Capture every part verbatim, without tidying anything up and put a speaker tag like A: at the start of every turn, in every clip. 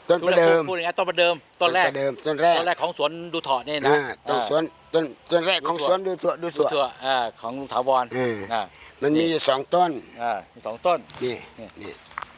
A: ต้นประเดิม
B: พูดอย่างนี้ต้นประเดิมต้นแรก
A: ประเดิมต้นแรก
B: ต้นแรกของสวนดูเถาะนี่นะ
A: ต้นสวนต้นต้นแรกของสวนดูถั่วดู
B: ดู
A: ถั่ว
B: เถาะอ่าของลุงถาวร
A: อ่า
B: อ่า
A: มันมีอยู่สองต้น
B: อ่ามีสองต้น
A: นี่นี่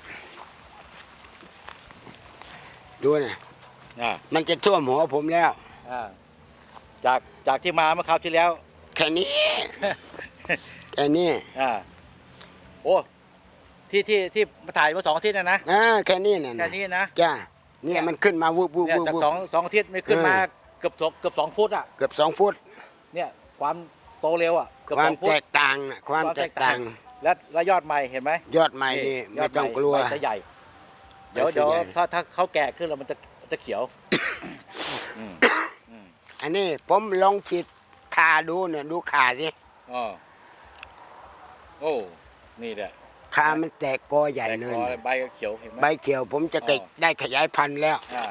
A: ดูนะ
B: อ่า
A: มันจะท่วมหัวผมแล้ว
B: อ่าจากจากที่มาเมื่อคราวที่แล้ว
A: แค่นี้ แค่นี้
B: อ่าโอ้ที่ที่ที่มาถ่ายเมื่อสองอาทิตย์นะนะ
A: อ่าแค่นี้น่ะ
B: แค่นี้นะ
A: จ้าเนี่ยมันขึ้นมาวุบวุบ
B: เนี่ย
A: วุบ
B: จาก
A: วุบ
B: สองสองอาทิตย์ไม่ขึ้นมาเกือบสองเกือบสองฟุตอ่ะ
A: เกือบสองฟุต
B: เนี่ยความโตเร็วอ่ะเกือบ
A: ควา
B: ส
A: ม
B: องฟุต
A: แตกต่างน่ะความแตกต่าง
B: และและยอดใหม่เห็นไหม
A: ยอดใหม่นี่
B: ย
A: ไม่
B: ด
A: ต้องกลัว
B: ใบจะใหญ่ เดี๋ยว
A: ใบจะ
B: เดี๋ยว
A: ใหญ่
B: ถ้าถ้าเขาแก่ขึ้นแล้วมันจะจะเขียวอืม
A: อันนี้ผมลองฉีดขาดูเนี่ยดูขาสิ
B: อ๋อโอ้นี่แหละ
A: ขามันแตกกอใหญ่
B: แต่
A: เลย
B: คอ
A: นะ
B: ใบก็เขียวเห็นไหม
A: ใบเขียวผมจะ
B: อ๋อ
A: ได้ขยายพันธุ์แล้ว
B: อ่า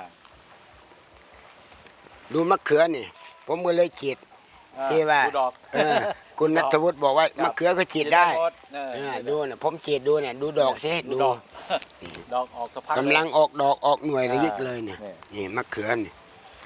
A: ดูมะเขือนี่ ผมก็เลยฉีด
B: อ่า
A: ที่ว่า
B: ดูดอก
A: เออคุณนัทวุฒิบอกว่า
B: ครับ
A: มะเขือก็ฉีดได้
B: หมเออ
A: เออดูเนี่ยผมฉีดดูเนี่ยดูดอกสิดู
B: ดอก ดอกออกสะพัด
A: กำลังออกดอกออกหน่วย
B: อ่า
A: ระยิกเลยเนี่ย
B: นี่
A: นี่มะเขือนี่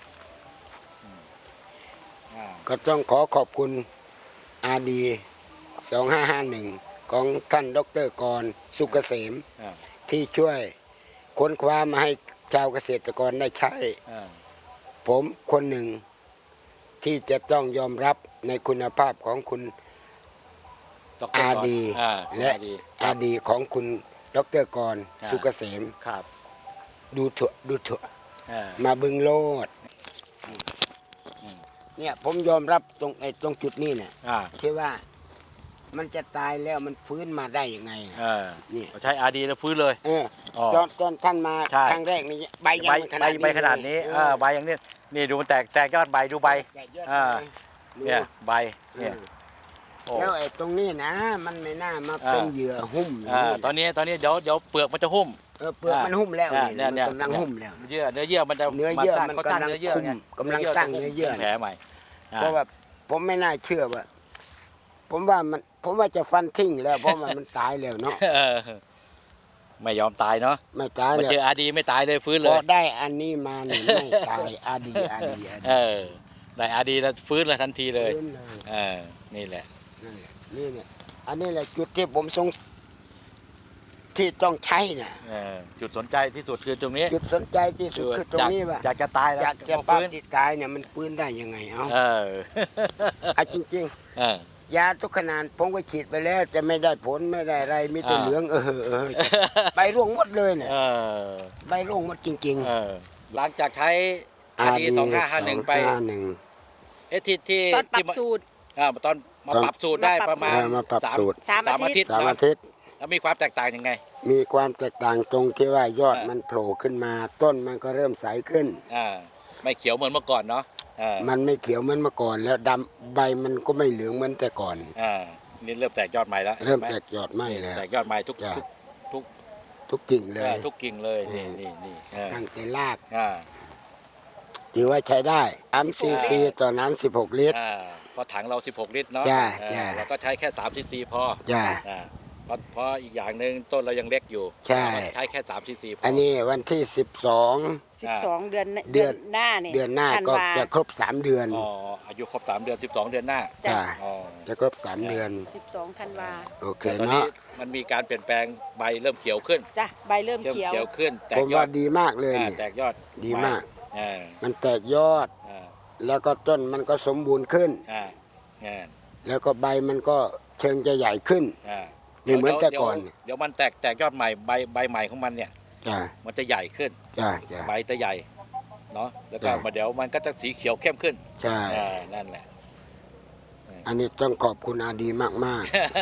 B: อ่า
A: ก็ต้องขอขอบคุณอาดีสองห้าห้าหนึ่งของท่านดรกรสุกเกษม
B: อ่า
A: ที่ช่วยค้นคว้ามาให้ชาวเกษตรกรได้ใช้
B: อ่า
A: ผมคนหนึ่งที่จะต้องยอมรับในคุณภาพของคุณ
B: ดอก
A: อา
B: ก่น
A: ดี
B: อ่า
A: และ
B: อาดี
A: อาดีของคุณดรกร
B: อ่า
A: สุกเกษม
B: ครับ
A: ดูถั่วดูถั่ว
B: อ่า
A: มาบึงโลด
B: อืม
A: เนี่ยผมยอมรับตรงไอ้ตรงจุดนี้เนี่ย
B: อ่า
A: ที่ว่ามันจะตายแล้วมันฟื้นมาได้ยังไง
B: เออ
A: นี่
B: ใช้อาดีแล้วฟื้นเลย
A: เออ
B: อ๋อ
A: ตอนตอนท่านมา
B: ใช่
A: ครั้งแรกนี่ใบยัง
B: ใบ
A: ไม่ข
B: ใบ
A: นาดนี้
B: ใบขนาดนี้
A: เลย
B: เออใบอย่างนี้นี่ดูมันแตกแตกยอดใบดูใบ
A: แตกยอด
B: อ่า
A: ดู
B: เนี่ยใบ
A: เอ
B: เนี่ย
A: อ
B: โอ้
A: แล้วไอ้ตรงนี้นะ มันไม่น่ามาเป็น
B: อ่า
A: เหยื่อหุ้มอย่าง
B: อ่า
A: นี้
B: ตอนนี้ตอนนี้เดี๋ยวเดี๋ยวเปลือกมันจะหุ้ม
A: เออเปลือกมันหุ้มแล้ว
B: อ่า
A: นี่
B: เนี่ย
A: มัน
B: เนี่ย
A: กำลังหุ้มแล้ว
B: เยื่อเนื้อเยื่อมันจะ
A: เนื้อเยื่อ
B: สร้าง
A: มัน
B: เขาสร้าง
A: กำลัง
B: เนื้อเยื่อไง
A: คุมกำลังสร้างเนื้อเยื่อ
B: แผลใหม่อ่
A: เพราะว่าผมไม่น่าเชื่อว่า ผมว่ามันผมว่าจะฟันทิ้งแล้ว เพราะมันมันตายแล้วเนาะ
B: เออไม่ยอมตายเนาะ
A: ไม่ตาย
B: มา
A: แล้ว
B: เจออาดีไม่ตายเลยฟื้น
A: พ
B: เล
A: อย ได้อันนี้มานี่ไม่ตายอาดีอาดีอาดี
B: เออได้อาดีแล้วฟื้นเลยทันทีเลย
A: ฟื้นเลย
B: เออนี่แหละ
A: นั่นแหละนี่เนี่ยอันนี้แหละจุดที่ผมสงที่ต้องใช้น่ะ
B: เออจุดสนใจที่สุดคือตรงนี้
A: จุดสนใจที่สุดคือตรงนี้ว่า
B: อยากจะตายแล้ว
A: อยากจะ
B: มา
A: ป้า
B: ฟื้น
A: ที่ตายเนี่ยมันฟื้นได้ยังไงเอ้า
B: เออ
A: เอาจริง
B: เออ
A: ๆ ยาทุกขนาดผมก็ฉีดไปแล้วจะไม่ได้ผลไม่ได้อะไรมีแต่
B: อ่า
A: เหลืองเออเออใบร่วงหมดเลยเนี่ย
B: เออ
A: ใบร่วงหมดจริง
B: เออหลังจากใช้
A: ๆ
B: อาดีสองห้าห้าหนึ่งไป
A: สองห้าหนึ่ง
B: เอะที่ที่
C: ตอนปรับ
B: ที่มา
C: สูตร
B: อ่าตอนมา
A: ตอน
B: ปรับสูตรได้ประมาณ
A: เออมาปรับสูตร
C: สาม
B: สามอา
C: อาทิ
B: ทิต
C: ตย์
B: ย์
A: สาม
B: นะ
A: อาทิตย์
B: แล้วมีความแตกต่างยังไง
A: มีความแตกต่างตรงที่ว่ายอด
B: เออ
A: มันโผล่ขึ้นมาต้นมันก็เริ่มใสขึ้น
B: อ่าไม่เขียวเหมือนเมื่อก่อนเนาะอ่า
A: มันไม่เขียวเหมือนเมื่อก่อน แล้วดำใบมันก็ไม่เหลืองเหมือนแต่ก่อน
B: อ่านี่เริ่มแตกยอดใหม่แล้ว
A: เริ่ม
B: ห็นไห
A: แตกยอดไหม้แล้ว
B: แตกยอดใหม่ทุก
A: จ้ะ
B: ทุกทุก
A: ทุกกิ่งเล
B: เอย อทุกกิ่งเลยนี่นี่นี่เออ
A: ตั้งแต่ราก
B: อ่า
A: ถือว่าใช้ได้สามซีซีต่อน้ำสิบหกลิตร
B: อ่าพอถังเราสิบหกลิตรเนาะ
A: จ้ะ
B: อ่า
A: จ้ะ
B: เราก็ใช้แค่สามซีซีพอ
A: จ้า
B: อ่าเพราะเพราะอีกอย่างหนึ่งต้นเรายังเล็กอยู่
A: ใช่
B: ใช้แค่สามซีซีพอ
A: อันนี้วันที่สิบสอง
C: สิบสองเดือน
A: เดือน
C: หน้าเนี่ย
A: เดือนหน้า
C: ธั
A: ก็
C: วา
A: จะครบสามเดือน
B: อ๋ออายุครบสามเดือนสิบสองเดือนหน้า
A: จ้า
B: อ๋อ
A: จะครบสามเดือน
C: สิบสองธันวา
A: โอเค
B: แต่ตอนนี้
A: เนาะ
B: มันมีการเปลี่ยนแปลงใบเริ่มเขียวขึ้น
C: จ้ะใบเริ่ม
B: เริ่ม
C: เขียว
B: เขียวขึ้นแต
A: ผ
B: ก
A: ม
B: ยอ
A: ว่า
B: ด
A: ดีมากเลย
B: อ่า
A: นี่
B: แตกยอด
A: ดีมาก
B: อ่า
A: มันแตกยอด
B: อ่า
A: แล้วก็ต้นมันก็สมบูรณ์ขึ้น
B: อ่าอ่า
A: แล้วก็ใบมันก็เชิงจะใหญ่ขึ้น
B: อ่า
A: ไม่เหมือนแต่ก่อน
B: เดี๋ยวเดี๋ยวมันแตกแตกยอดใหม่ใบใบใหม่ของมันเนี่ย
A: จ้า
B: มันจะใหญ่ขึ้น
A: จ้าจ้า
B: ใบจะใหญ่เนาะแล้วก็
A: จ้ะ
B: มาเดี๋ยวมันก็จะสีเขียวเข้มขึ้น
A: ใช่
B: อ่านั่นแหละ
A: อันนี้ต้องขอบคุณอาดีมากมาก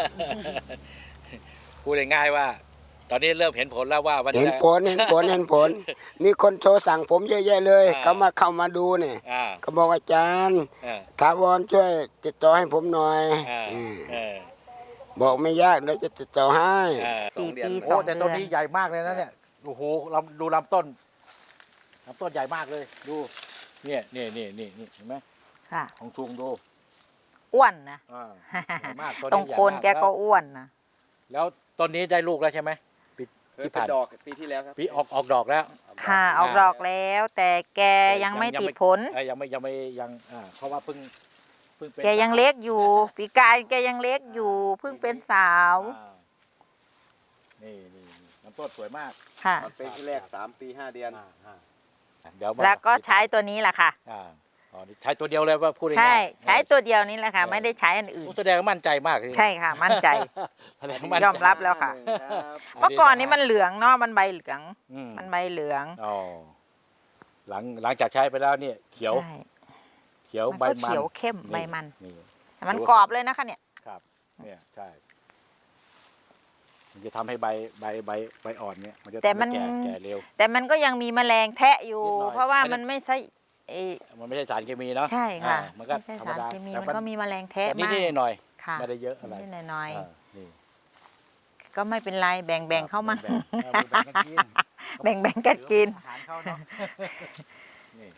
B: พูดง่ายๆว่า ตอนนี้เริ่มเห็นผลแล้วว่ามัน
A: ๆเห็น
B: จะ
A: ผลเห็นผลเห็นผล มีคนโทรสั่งผมเยอะแยะเลย
B: อ่า
A: เขามาเข้ามาดูเนี่ย
B: อ่า
A: เขาบอกอาจารย์
B: อ่า
A: ถาวรช่วยติดต่อให้ผมหน่อย
B: อ่า
A: อืม
B: เออ
A: บอกไม่ยากเดี๋ยวจะติดต่อให้
B: อ่า
C: สี่
B: องเดือน
C: ปี
B: โอ้
C: สอง
B: แต่
C: เดื
B: ต้
C: อน น
B: นี้ใหญ่มากเลยนะเนี่ยโอ้โหลำดูลำต้นลำต้นใหญ่มากเลยดูเนี่ยนี่นี่นี่นี่เห็นไหม
C: ค่ะ
B: ของทุงดู
C: อ้วนนะ
B: อ่าใหญ่มาก
C: ตรงโคนแกก็อ้วนนะ
B: แล้วต้นนี้ได้ลูกแล้วใช่ไหมปีที่ผ่าน
D: ดอกปีที่แล้วครับ
B: ปีออกออกดอกแล้ว
C: ค่ะออกดอกแล้ว แต่แกยังไม่ติดผล
B: เอ้ยยังไม่ยังไม่ยังอ่าเพราะว่าเพิ่งเพิ่งเป็น
C: แกยังเล็กอยู่ ปีกายแกยังเล็กอยู่เพิ่งเป็นสาว
B: อ่านี่นี่นี่ลำต้นสวยมาก
C: ค่ะ
D: ตอนเป็นที่แรกสามปีห้าเดือน
B: อ่าอ่าเดี๋ยวมา
C: แล้วก็ใช้ตัวนี้แหละค่ะ
B: อ่าอ๋อนี่ใช้ตัวเดียวเลยว่าพูดง่ายๆ
C: ใช่ใช้
B: เออ
C: ตัวเดียวนี้แหละค่ะ
B: เออ
C: ไม่ได้ใช้อันอื่น
B: แสดงว่ามั่นใจมากเลย
C: ใช่ค่ะ มั่นใจ
B: แสดงว่ามั่นใจ
C: ยอมรับแล้วค่ะ
D: ครับ
C: เมื่อก่อนนี้มันเหลืองเนาะมันใบเหลือง
B: อืม
C: มันใบเหลือง
B: อ๋อหลังหลังจากใช้ไปแล้วเนี่ยเขียว
C: ใช่
B: เขียว
C: มัน
B: ใบ
C: ก็
B: มัน
C: เขียวเข้ม
B: นี่
C: ใบมัน
B: นี่
C: แต่มันกรอบเลยนะคะเนี่ย
B: ครับเนี่ยใช่มันจะทำให้ใบใบใบใบอ่อนเนี่ยมันจะ
C: แต่
B: ทำ
C: มั
B: ให้
C: น
B: แก่แก่เร็ว
C: แต่มันก็ยังมีแมลงแทะอยู่
B: นิดหน่อย
C: เพราะว่า
B: ไม่ได้
C: มันไม่ใช่เอ่อ
B: มันไม่ใช่สารเคมีเนาะ
C: ใช่ค่ะ
B: อ่ามันก็
C: ไม่ใช่
B: ธรรม
C: สาร
B: ดา
C: เคมี
B: แต่
C: มันก็มีแมลงแทะ
B: แต่นิด
C: มาก
B: นิดหน่อย
C: ค่ะ
B: ไม่ได้เยอะอะไร
C: นิดๆหน่อย
B: อ่านี่
C: ๆก็ไม่เป็นไรแบ่งแบ่งเข้ามา
B: แบ่งๆเออแบ่งๆกันกิน
C: แบ่งแบ่งกันกิน
B: อาหารเขาเนาะนี่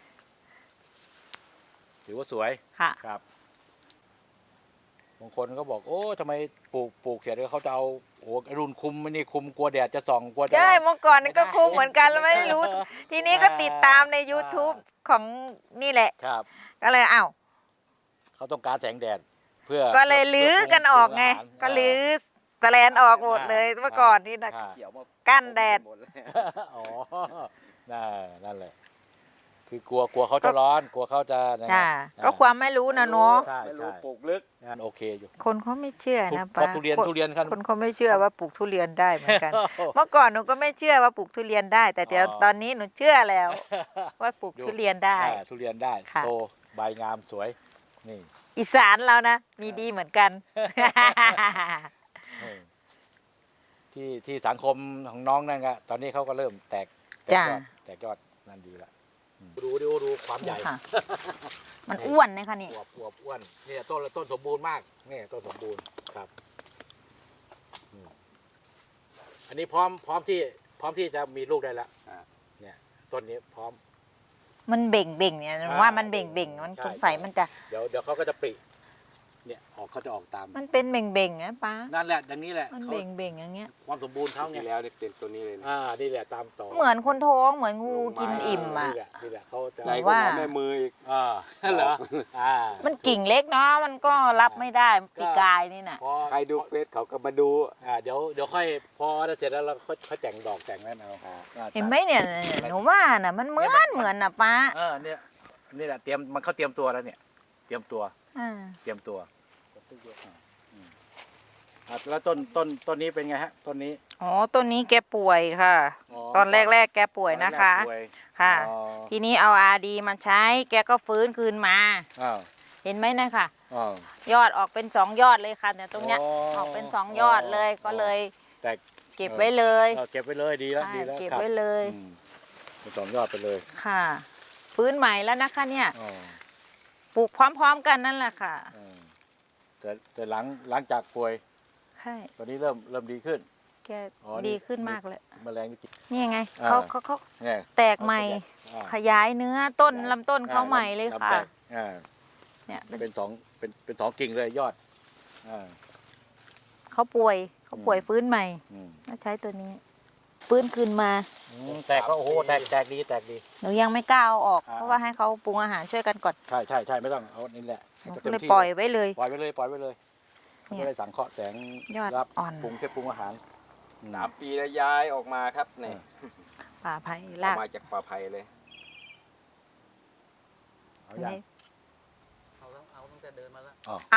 B: ถือว่าสวย
C: ค่ะ
B: ครับบางคนก็บอกโอ้ทำไมปลูกปลูกเสร็จแล้วเขาจะเอาโอ้รุ่นคุมไม่นี่คุมกลัวแดดจะส่องกลัวจะ
C: ใช่เมื่อก่อนนี่ก็
B: ไม่ได้
C: คุมเหมือนกันแล้วไม่รู้ ทีนี้ก็ติดตามใน YouTube ของนี่แหละ
B: ครับ
C: ก็เลยอ้าว
B: เขาต้องการแสงแดดเพื่อ
C: ก็เลยลื้อกันออกไง
B: เพื่
C: ก็
B: ปรุ
C: ลื้อสแลนออกหมดเลยเมื่อก่อนนี่นะ
B: อ่า
D: เขียวมา
C: กั้นแดด
D: หมเลย
B: อ๋อนั่นนั่นแหละ คือกลัวกลัวเขาจะร้อน กลัวเขาจะนะ
C: จ้า
B: อ่
C: ก็ความไม่รู้นะเนาะ
B: ใช่
D: ไม่รู้
B: ใช่
D: ปลูกลึก
B: งานโอเคอยู่
C: คนเขาไม่เชื่อนะ
B: เพราะ
C: ป้า
B: ทุเรียน
C: คน
B: ทุเรียนครับ
C: คนเขาไม่เชื่อว่าปลูกทุเรียนได้เหมือนกัน เมื่อก่อนหนูก็ไม่เชื่อว่าปลูกทุเรียนได้ แต่เดี๋ยว
B: อ๋อ
C: ตอนนี้หนูเชื่อแล้ว ว่าปลูกทุเรียนได้
B: อ่าทุเรียนได้
C: ค่ะ
B: โตใบงามสวย นี่
C: อีสานเรานะมีดีเหมือนกัน
B: เออที่ที่สังคมของน้องนั่นก็ตอนนี้เขาก็เริ่มแตกแตก
C: จ้ะ
B: ยอดแตกยอดนั่นดีละอืมดูดูดูความใหญ่
C: ค่ะ มันอ้วนนะคะนี่
B: อวบอวบอ้วนเนี่ยต้นต้นสมบูรณ์มากเนี่ยต้นสมบูรณ์ครับอืมอันนี้พร้อมพร้อมที่พร้อมที่จะมีลูกได้แล้ว
D: อ่า
B: เนี่ยต้นนี้พร้อม
C: มันเบ่งเบ่งเนี่ยหนู
B: อ่า
C: ว่ามันเบ่งเบ่งมัน
B: ใช่
C: สงสัย
B: ใช่
C: มันจะ
B: เดี๋ยวเดี๋ยวเขาก็จะปริเนี่ยออกเขาจะออกตาม
C: มันเป็นเบ่งเบ่งนะป้า
B: นั่นแหละอย่างนี้แหละ
C: มัน
B: เขา
C: เบ่งเบ่งอย่างเงี้ย
B: ความสมบูรณ์เขาไง
D: ที่แล้วเนี่ยเป็นตัวนี้เลยนะ
B: อ่านี่แหละตามต่อ
C: เหมือนคนท้องเหมือนงูกินอิ่มอ่ะ
B: นี่แหละนี่แหละเขาจะ
D: ใหญ่ก
C: ว่า
D: ว่าแม่มืออีก
B: อ่าเหรออ่า
C: มันกิ่งเล็กเนาะมันก็รับไม่ได้ปีกายนี่น่ะ
B: พอ
D: ใครดูเฟซเขาก็มาดู
B: อ่าเดี๋ยวเดี๋ยวค่อยพอเสร็จแล้วเราค่อยค่อยแต่งดอกแต่งนั่นเอาอ่า
C: เห็นไหมเนี่ยหนูว่าน่ะมันเหมือนเหมือนน่ะป้า
B: เออเนี่ยนี่แหละเตรียมมันเขาเตรียมตัวแล้วเนี่ย เตรียมตัว
C: อ่า
B: เตรียมตัวอืมอ่ะแล้วต้นต้นต้นนี้เป็นไงฮะต้นนี้
C: อ๋อต้นนี้แกป่วยค่ะ ตอนแรกๆแกป่วยนะคะ
B: ตอแรกป่วย
C: ค่ะ
B: อ๋อ
C: ทีนี้เอาอาดีมาใช้ แกก็ฟื้นคืนมา
B: อ้าว
C: เห็นไหมนะค่ะ
B: อ้าวย
C: อดออกเป็นสองยอดเลยค่ะเนี่ยตรงเนี้ย
B: อ๋อ
C: ออกเป็นสองยอดเลย
B: อ๋อ
C: ก็เลย
B: แต่
C: เก็บไว้เลย
B: เออเก็บไว้เลยดีแล้ว
C: ใช่
B: ดีแล้ว
C: เก็บ
B: ครับ
C: ไว้เลย
B: อืมเป็นสองยอดไปเลย
C: ค่ะ ฟื้นใหม่แล้วนะคะเนี่ย
B: อ๋อ
C: ปลูกพร้อมๆกันนั่นแหละค่ะ
B: เออแต่แต่หลังหลังจากป่วย
C: ใช่
B: ตอนนี้เริ่มเริ่มดีขึ้น
C: แก
B: อ๋อนี่
C: ดีขึ้นมากเลย
B: แมลงนี่กิน
C: นี่ไง
B: อ่า
C: เขาเขาเขา
B: ไง
C: แตกใหม่
B: อ่า
C: ขยายเนื้อต้นลำต้นเขาใหม่เลยค่ะ
B: ลำแตกอ่า
C: เนี่ยเป็น
B: เป็นสองเป็นเป็นสองกิ่งเลยยอดอ่า
C: เขาป่วยเขาป่วย
B: อืม
C: ฟื้นใหม่
B: อืม
C: ก็ใช้ตัวนี้ ฟื้นคืนมา
B: อืมแตกก็โอ้โหแตกแตกดีแตกดี
C: หนูยังไม่กล้าเอาออก
B: อ่า
C: เพราะว่าให้เขาปรุงอาหารช่วยกันก่อน
B: ใช่ใช่ใช่ไม่ต้องเอานี่แหละ
C: หนู
B: ให้
C: ก็
B: ต็ม
C: เลย
B: ที่
C: ปล่อยไว้เลย
B: ปล่อยไปเลยปล่อยไปเลย
C: เนี่
B: ไม่
C: ย
B: ได้สังเคราะห์แสง
C: ยอด
B: รับ
C: อ่อน
B: ปรุงแค่ปรุงอาหารอืม
D: สามปีแล้วย้ายออกมาครับเนี่ย
C: ป่าไผ่
D: ออ
C: ลาก ก
D: มาจากป่าไผ่เลย
B: เอาอย่าง
D: เอาแล้วเอาตั้งแต่เดินมาแล้ว
C: เอา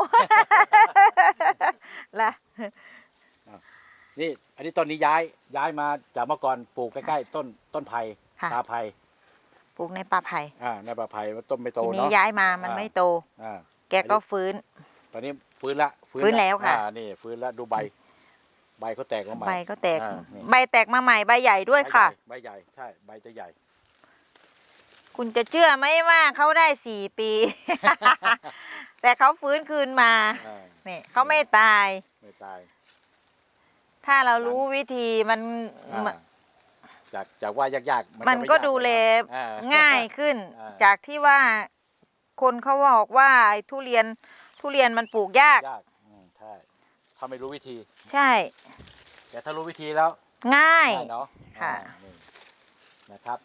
C: ละ
B: นี่อันนี้ต้นนี้ย้ายย้ายมาจากเมื่อก่อนปลูกใกล้ๆต้นต้นไผ่
C: ค่ะ
B: ตาไผ่
C: ปลูกในป่าไผ่
B: อ่าในป่าไผ่ต้นไม่โต
C: ทีนี้
B: เนาะ
C: ย้ายมามัน
B: อ่า
C: ไม่โต
B: อ่า
C: แกก็ฟื้น
B: ตอนนี้ฟื้นละ
C: ฟื้นแล้วค่ะ
B: อ่านี่ฟื้นแล้วดูใบ ใบเขาแตกออกมา
C: ใบก็แตก
B: อ่านี่
C: ใบแตกมาใหม่ใบใหญ่ด้วยค่ะ
B: ใบใหญ่ใช่ใบจะใหญ่
C: คุณจะเชื่อไหมว่าเขาได้สี่ปี แต่เขาฟื้นคืนมา
B: อ่า
C: เนี่ยเขาไม่ตาย
B: ไม่ตาย
C: ถ้าเรารู้วิธีมัน
B: อ่า
C: มัน
B: จากจากว่ายากๆ
C: มัน
B: จะไ
C: ก็ดูแล
B: อ่า
C: ง่ายขึ้น
B: อ่า
C: จากที่ว่าคนเขาบอกว่าไอ้ทุเรียนทุเรียนมันปลูกยาก
B: ยากอืมใช่ถ้าไม่รู้วิธี
C: ใช่
B: แต่ถ้ารู้วิธีแล้ว
C: ง่าย
B: ได้เนาะ
C: ค่ะ
B: อ่านี่นะครับ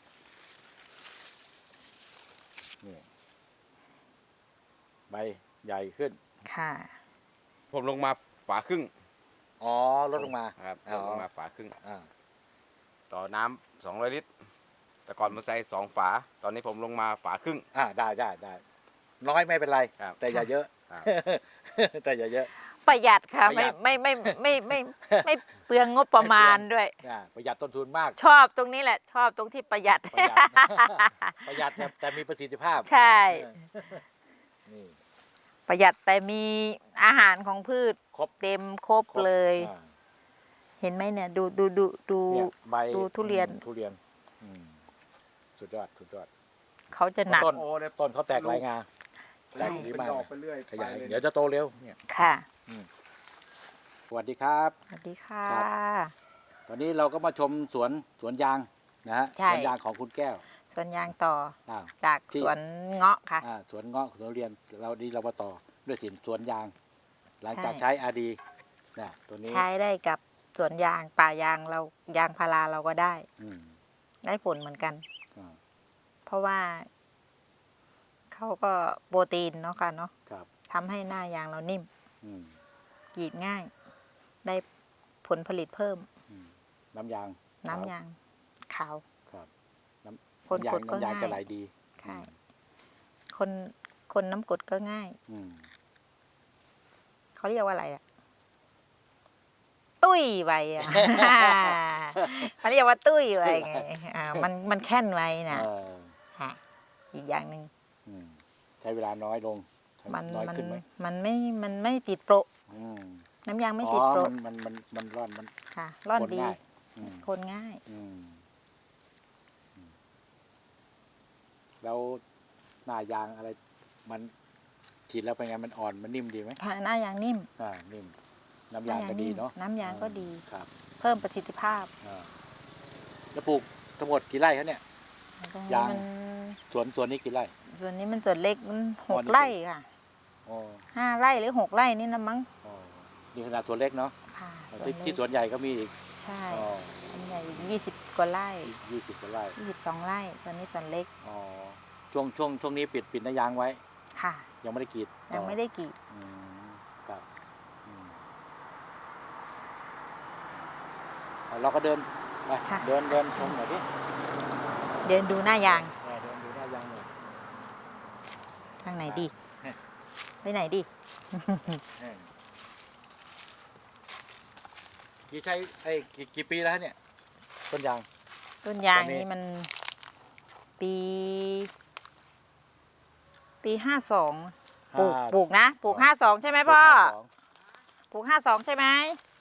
B: นี่ใบใหญ่ขึ้น
C: ค่ะ
D: ผมลงมาฝาครึ่ง
B: อ๋อลดลงมา
D: ครับ
B: อ๋อ
D: ลงมาฝาครึ่ง
B: อ่า
D: ต่อน้ำสองร้อยลิตร แต่ก่อนผมใส่สองฝา ตอนนี้ผมลงมาฝาครึ่ง
B: อ่าได้ได้ได้น้อยไม่เป็นไร
D: ครับ
B: แต่อย่าเยอะ
D: ครับ
B: แต่อย่าเยอะ
C: ประหยัดค่ะ
B: ประหยั
C: ไม่
B: ด
C: ไม่ไม่ไม่ไม่ไม่ไม่เปลืองงบประมาณด้วย
B: อ่าประหยัดต้นทุนมาก
C: ชอบตรงนี้แหละ ชอบตรงที่ประหยัด
B: ประหยัด ประหยัดแต่แต่มีประสิทธิภาพ
C: ใช่
B: นี่
C: ประหยัดแต่มีอาหารของพืช
B: ครบ
C: เต็มครบเลย
B: อ่า
C: เห็นไหมเนี่ย ดูดูดูดู
B: เนี่ยใบ
C: ดูทุเรียน
B: อืมทุเรียนอืมสุดยอดสุดยอด
C: เขาจะหนัก
B: ต้น
D: โอ้เนี่ย
B: ต้นเขาแตกลายงา
C: ใช่
B: แตกดี
D: เป็น
B: มาก
D: ดอกไปเรื่อย
B: ขยาย
D: ไปล
B: เดี๋ยวจะโตเร็วเนี่ย
C: ค่ะ
B: สวัสดีครับ
C: สวัสดีค่ะ
B: ครับ ตอนนี้เราก็มาชมสวนสวนยางนะฮะ
C: ใช่
B: สวนยางของคุณแก้ว
C: สวนยางต่อ
B: อ่า
C: จาก
B: ที่
C: สวนเงาะค่ะ
B: อ่าสวนเงาะสวนทุเรียนเราดีเรามาต่อด้วยสินสวนยาง หลังจาก
C: ใช่
B: ใช้อาดีนะตัวนี้
C: ใช้ได้กับสวนยางป่ายางเรายางพาราเราก็ได้
B: อืม
C: ได้ผลเหมือนกัน
B: อ่า
C: เพราะว่าเขาก็โปรตีนเนาะค่ะเนาะ
B: ครับ
C: ทำให้หน้ายางเรานิ่ม
B: อืม
C: หยีดง่าย ได้ผลผลิตเพิ่ม
B: อืมน้ำยาง
C: น้ำยางขาว
B: ครับน้
C: คน
B: ำน้ำยาง
C: กดก็
B: น้ำยาง
C: ง่าย
B: จะไหลดี
C: ใช่คนคนน้ำกรดก็ง่าย
B: อืม
C: เขาเรียกว่าอะไรอะตุ้ยไวอะ เขาเรียกว่าตุ้ยไวไงอ่ามันมันแค่นไว้นะ
B: เออ
C: ค่ะอีกอย่างหนึ่ง
B: อืมใช้เวลาน้อยลงใช้
C: มัน
B: น้อย
C: มัน
B: ขึ้นไหม
C: มันไม่มันไม่ติดโปร
B: อืม
C: น้ำยางไม่
B: อ๋
C: ติด
B: อ
C: โปร
B: มันมันมันมันร่อนมัน
C: ค่ะ ร่อน
B: คน
C: ดี
B: ง่ายอืม
C: คนง่าย
B: อืมอืมแล้วหน้ายางอะไร มันฉีดแล้วเป็นไงมันอ่อนมันนิ่มดีไหม
C: ค่ะหน้ายางนิ่ม
B: อ่านิ่มน้ำยางก็ดีเนาะ
C: น้ำยางก็ดี
B: ครับ
C: เพิ่มประสิทธิภาพ
B: อ่าแล้วปลูกทั้งหมดกี่ไร่ครับเนี่ย
C: ตรง
B: ยา
C: นี้
B: ง
C: มัน
B: สวนสวนนี้กี่ไร่
C: ส่วนนี้มันส่วนเล็กมันห
B: อ๋อก นี่
C: ไร่ค่ะ
B: อ๋อ
C: ห้าไร่หรือหกไร่นี่นะมั้ง
B: อ๋อนี่ขนาดสวนเล็กเนาะ
C: ค่ะ
B: ที่
C: เล็ก
B: ที่สวนใหญ่ก็มีอีก
C: ใช่
B: อ๋อ
C: ส่วนใหญ่ยี่สิบกว่าไร่
B: ยี่สิบกว่าไร่
C: ยี่สิบสองไร่ส่วนนี้ส่วนเล็ก
B: อ๋อช่วงช่วงช่วงนี้ปิดปิดหน้ายางไว้
C: ค่ะ
B: ยังไม่ได้กรีด
C: ยังไม่ได้กรีด
B: อืมครับอืมเอาเราก็เดินไปเดินเดินชมหน่อยดิ
C: เดินดูหน้ายาง
B: เออเดินดูหน้ายางหน่อย
C: ทางไหนดี
B: เฮ้ย
C: ไปไหนดี
B: เออกี่ใช้ไอ้ยกี่กี่ปีแล้วฮะเนี่ยต้นยาง
C: ต้นยาง
B: ตอนนี้
C: นี่มัน ปี ปีห้าสองปลูก
B: ห้า
C: ปลูกนะปลูกห้าสองใช่ไหมพ่อ
B: ห้าสอง
C: ปลูกห้าสองใช่ไหม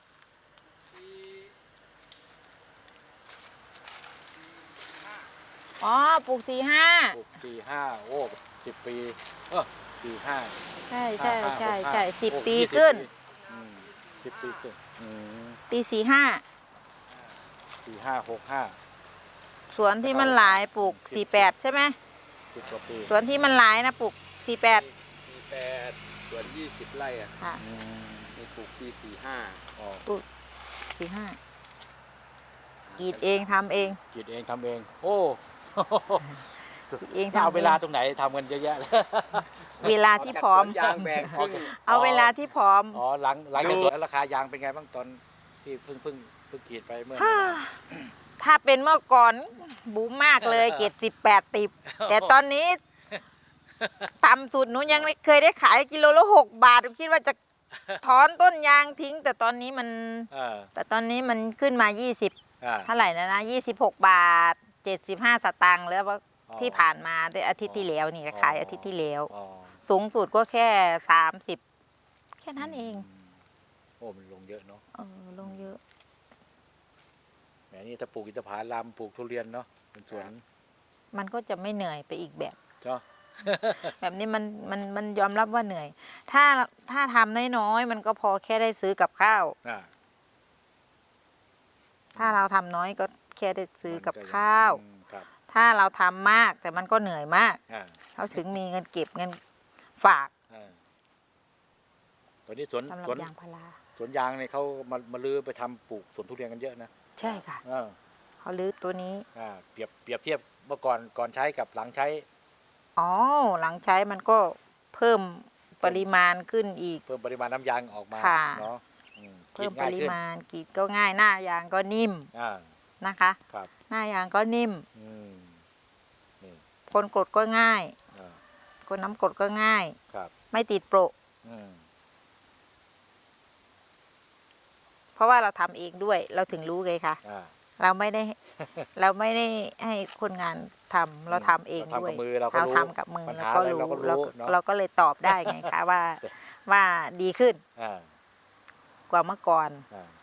C: อ๋อปลูกสี่ห้า
B: ปลูกสี่ห้าโอ้สิบปีเออสี่ห้า
C: ใช่ใช่
B: ห้าห้า
C: ใช่
B: หกห้า
C: ใช่สิบ
B: โอ้
C: ปี
B: ยี่สิบ
C: ขึ้น
B: อืมสิบปีขึ้นอืม
C: ปีสี่ห้า
B: สี่ห้าหกห้า
C: สวนที่มันหลายปลูกสี่แปดใช่ไหม
B: สิบกว่าปี
C: สวนที่มันหลายนะปลูกสี่แปด
D: สี่แปดส่วนยี่สิบไร่อะ
C: ค่ะ
B: อืม
D: มีปลูกปีสี่ห้า
B: อ๋อ
C: สี่ห้ากรีดเองทำเอง
B: กรีดเองทำเอง โอ้
C: กรีดเอง
B: ถ้า
C: ทำ
B: เอา
C: เอ
B: เวลาง ตรงไหนทำกันเยอะแยะเลย
C: เวลาที่พร้อม
D: ยางแบ่งครึ่ง
C: เอาเวลาที่พร้อม
B: อ๋อหลังหลังจากสวนแล้วราคายางเป็นไงบ้างตอนที่เพิ่งเพิ่งเพิ่งกรีดไปเมื่อ
C: ถ้าเป็นเมื่อก่อนบูมมากเลยเกรดสิบแปดติบแต่ตอนนี้ต่ำสุดหนูยังไม่เคยได้ขายกิโลละหกบาทหนูคิดว่าจะถอนต้นยางทิ้ง แต่ตอนนี้มัน
B: เออ
C: แต่ตอนนี้มันขึ้นมายี่สิบ
B: อ่า
C: เท่าไหร่แล้วนะยี่สิบหกบาทเจ็ดสิบห้าสตางค์แล้วว่า
B: อ๋อ
C: ที่ผ่านมาได้อาทิตย์ที่แล้วนี่
B: อ๋อ
C: ขายอาทิตย์ที่แล้ว
B: อ๋อ
C: สูงสุดก็แค่สามสิบแค่นั้นเอง
B: โอ้มันลงเยอะเนาะ
C: เออลงเยอะ
B: แหมนี่ถ้าปลูกอินทผลัมปลูกทุเรียนเนาะเป็นสวน
C: มันก็จะไม่เหนื่อยไปอีกแบบ
B: เนาะ
C: แบบนี้มันมันมันยอมรับว่าเหนื่อย ถ้าถ้าทำน้อยๆมันก็พอแค่ได้ซื้อกับข้าว
B: อ่า
C: ถ้าเราทำน้อยก็แค่ได้ซื้อกับ
B: มันยัง
C: ข้าว
B: อืมครับ
C: ถ้าเราทำมากแต่มันก็เหนื่อยมาก
B: อ่า
C: เขาถึงมีเงินเก็บเงินฝาก
B: อ่าตอนนี้สวน
C: สำหรับ
B: สวน
C: ยางพารา
B: สวนยางเนี่ยเขามามาลือไปทำปลูกสวนทุเรียนกันเยอะนะ
C: ใช่ค่ะ
B: เออ
C: เขาลื้อตัวนี้
B: อ่าเปรียบเปรียบเทียบเมื่อก่อนก่อนใช้กับหลังใช้
C: อ๋อ หลังใช้มันก็เพิ่มปริมาณขึ้นอีก
B: เพิ่มปริมาณน้ำยางออกมา
C: ค่ะ
B: เนาะอืม
C: เพิ่ม
B: กรีด
C: ป
B: ง่าย
C: ริ
B: ขึ้น
C: มาณกรีดก็ง่ายหน้ายางก็นิ่ม
B: อ่า
C: นะคะ
B: ครับ
C: หน้ายางก็นิ่ม
B: อืมนี่
C: คนกดก็ง่าย
B: อ่า
C: คนน้ำกดก็ง่าย
B: ครับ
C: ไม่ติดโปะ
B: อืม
C: เพราะว่าเราทำเองด้วย เราถึงรู้ไงคะ
B: อ่า
C: เราไม่ได้ เราไม่ได้ให้คนงานทำเราทำเอง
B: เราทำ
C: ด้วย
B: กับมือเราก็
C: เรา
B: รู้
C: ทำกับมือ
B: ปัญ
C: แล้ว
B: หา
C: ก็
B: อะไร
C: รู้
B: เราก็
C: เรา
B: รู้เนาะ
C: เราก็เลยตอบได้ไงคะ ว่าว่าดีขึ้น
B: อ่าก
C: ว่าเมื่อก่อน
B: อ่า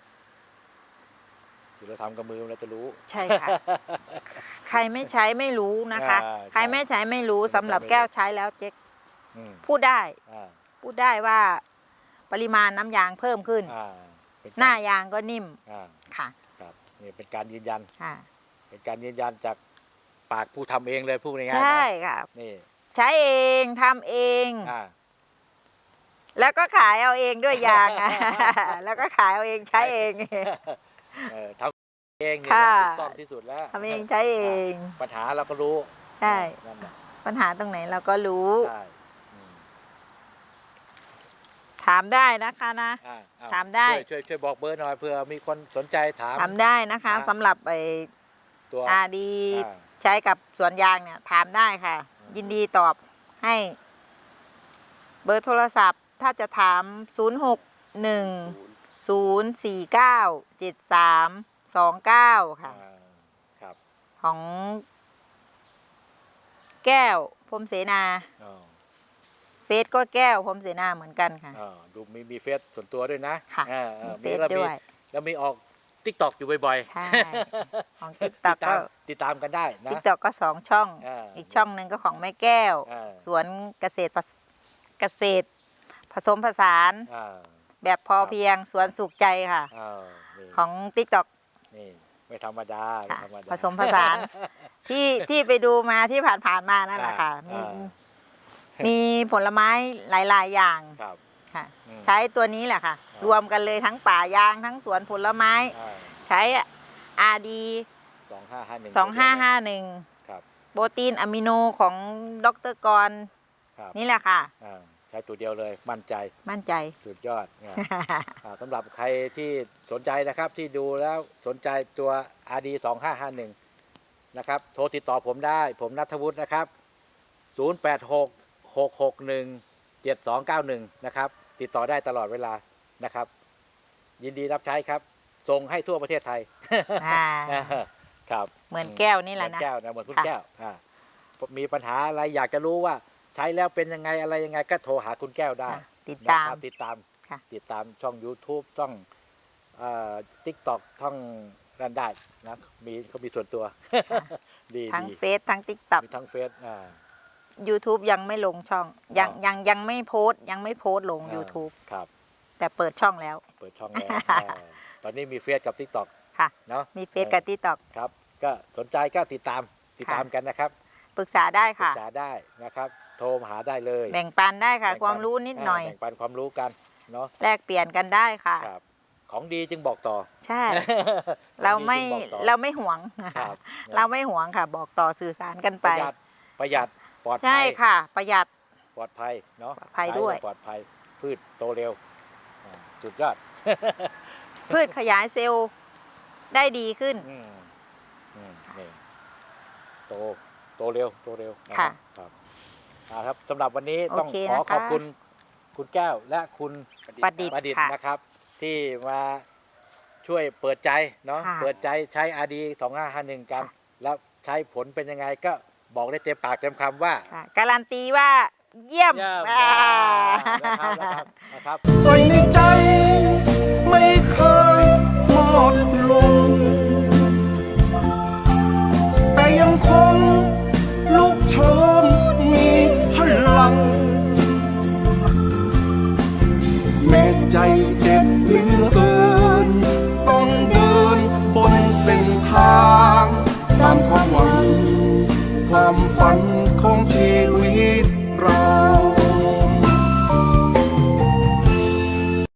B: คือเราทำกับมือเราจะรู้
C: ใช่ค่ะ ใครไม่ใช้ไม่รู้นะคะ
B: อ่า
C: ใครไม่ใช้ไม่รู้สำหรับแก้วใช้แล้วเจ๊ก
B: อืม
C: พูดได้
B: อ่า
C: พูดได้ว่าปริมาณน้ำยางเพิ่มขึ้น
B: อ่าเป็น
C: หน้ายางก็นิ่ม
B: อ่า
C: ค่ะ
B: ครับนี่เป็นการยืนยัน
C: ค่ะ
B: เป็นการยืนยันจากปากผู้ทำเองเลยพูดง่ายๆนะ
C: ใช่ค่ะ
B: นี่
C: ใช้เองทำเอง
B: อ่า
C: แล้วก็ขายเอาเองด้วยยาง อะ แล้วก็ขายเอาเองใช้เอง
B: เออทำเองนี่
C: ค่ะ
B: ถูกต้องที่สุดแล้ว
C: ทำเองใช้เอง
B: ปัญหาเราก็รู้
C: ใช่
B: นั่นแหละ
C: ปัญหาตรงไหนเราก็รู้
B: ใช่อืม
C: ถามได้นะคะนะ
B: อ่าเอ
C: ถามได้
B: ช่วยช่วยช่วยบอกเบอร์หน่อยเผื่อมีคนสนใจถาม
C: ถามได้นะคะ
B: อ่ะ
C: สำหรับไอ้
B: ตัว
C: อาดี
B: อ่า
C: ใช้กับสวนยางเนี่ยถามได้ค่ะ
B: อืม
C: ยินดีตอบให้ เบอร์โทรศัพท์ ถ้าจะถาม ศูนย์ หก หนึ่ง ศูนย์ สี่ เก้า เจ็ด สาม สอง เก้า ค่ะ
B: อ่าครับ
C: ของแก้วพรหมเสนา
B: อ๋อ
C: เฟซก็แก้วพรหมเสนาเหมือนกันค่ะ
B: อ๋อดูมีมีเฟซส่วนตัวด้วยนะ
C: ค่ะ
B: อ่าอ่า
C: มีเฟซ
B: แล้ว
C: ด้วย
B: แล้วมีออกติ๊กตอกอยู่บ่อย
C: ใช่ ของ
B: ๆ
C: ติ๊กต็อก
B: ติด
C: ก็
B: ตามติดตามกันได้นะ
C: ติ๊กต็อกก็สองช่อง
B: อ่า
C: อีกช่องหนึ่งก็ของแม่แก้ว
B: อ่า
C: สวนเกษตรผสเกษตร ผสมผสาน
B: อ่า
C: แบบพอเพียงสวนสุขใจค่ะ
B: อ้าวนี่
C: ของติ๊กต็อก
B: นี่ไม่ธรรมดาไม่
C: ค่ะ
B: ธรรมดา
C: ผสมผสาน ที่ที่ไปดูมาที่ผ่านๆมานั่นแหละค่ะ มี
B: อ่า
C: มีผลไม้หลาย ๆ อย่าง
B: ครับ
C: ค่ะ
B: อืม
C: ใช้ตัวนี้แหละค่ะ
B: อ่าร
C: รวมกันเลยทั้งป่ายางทั้งสวนผลไม้
B: อ่า
C: ใช้อาดี
B: สองห้าห้าหนึ่ง
C: สองห้าห้าหนึ่ง
B: ครับ
C: โปรตีนอะมิโนของดรกร
B: ครับ
C: นี่แหละค่ะ
B: อ่าใช้ตัวเดียวเลยมั่นใจ
C: มั่นใจ
B: สุดยอดเนี่ย อ่าสำหรับใครที่สนใจนะครับที่ดูแล้วสนใจตัว อาร์ ดี สองห้าห้าหนึ่ง นะครับโทรติดต่อผมได้ ผมนัทวุฒินะครับ ศูนย์ แปด หก หก หก หนึ่ง เจ็ด สอง เก้า หนึ่ง นะครับ ติดต่อได้ตลอดเวลานะครับ ยินดีรับใช้ครับ ส่งให้ทั่วประเทศไทย
C: อ่า
B: ครับ
C: เหมือนแก้วนี่แหละ
B: เหมื
C: นะ
B: อนแก้วนะเหมือนคุณ
C: ค่ะ
B: แก้วอ่ามีปัญหาอะไรอยากจะรู้ว่าใช้แล้วเป็นยังไงอะไรยังไงก็โทรหาคุณแก้วได้
C: ค่ะติดตาม
B: นะครับติดตาม
C: ค่ะ
B: ติดตามช่อง YouTube ช่องทิกตอกช่องนั่นได้นะมีเขามีส่วนตัว ดี
C: ทั้ง
B: ดี
C: เฟซทั้งติ๊กต็อก
B: มีทั้งเฟซอ่า
C: YouTube ยังไม่ลงช่อง ยัง
B: อ๋อ
C: ยังยังไม่โพสต์ยังไม่โพสต์ลง
B: อ่า
C: YouTube
B: ครับ
C: แต่เปิดช่องแล้ว
B: เปิดช่องแล้ว อ่าตอนนี้มีเฟซกับทิกตอก
C: ค่ะ
B: เนาะ
C: มีเฟซกับติ๊กต็อก
B: ครับ ก็สนใจก็ติดตามติด
C: ค่ะ
B: ตามกันนะครับ
C: ปรึกษาได้
B: ปรึ
C: ค่ะ
B: กษาได้นะครับ โทรมาหาได้เลย
C: แบ่งปันได้ค่ะ
B: แบ่งปัน
C: ความรู้นิดหน่อย
B: าแบ่งปันความรู้กันเนาะ
C: แลกเปลี่ยนกันได้ค่ะ
B: ครับ ของดีจึงบอกต่อ
C: ใช่ เราไม่
B: ของดีจึงบอกต่อ
C: เราไม่หวง
B: ครับ
C: เราไม่หวงค่ะ บอกต่อสื่อสารกัน
B: ป
C: ไป
B: ระหยัดประหยัดปลอดภัย
C: ใช่ค่ะ ประหยัด
B: ปลอดภัยเนาะ
C: ปลอดภัยด้วย
B: ใช้แล้ปลอดภัยพืชโตเร็วอ่าสุดยอด
C: พืชขยายเซลล์ได้ดีขึ้น
B: อืมอืมนี่โตโตเร็วโตเร็วน
C: ค่ะ
B: ครับอ่าครับสำหรับวันนี้
C: โอ
B: ต้อง
C: เค
B: ขอ
C: นะคะ
B: ขอบคุณคุณแก้วและคุณ
C: ประดิษฐ์
B: ประดิษฐ์
C: ค่ะ
B: นะครับ ที่มาช่วยเปิดใจเนาะ
C: ค่ะ
B: เปิดใจใช้ อาร์ ดี สองห้าห้าหนึ่ง กัน
C: ค่ะ
B: แล้วใช้ผลเป็นยังไงก็บอกได้เต็มปากเต็มคำว่า
C: ค่ะการันตีว่าเยี่ยม
B: เยี่ยม
C: อ่า
B: นะครับนะครับนะครับ
E: ใส่ในใจไม่เคย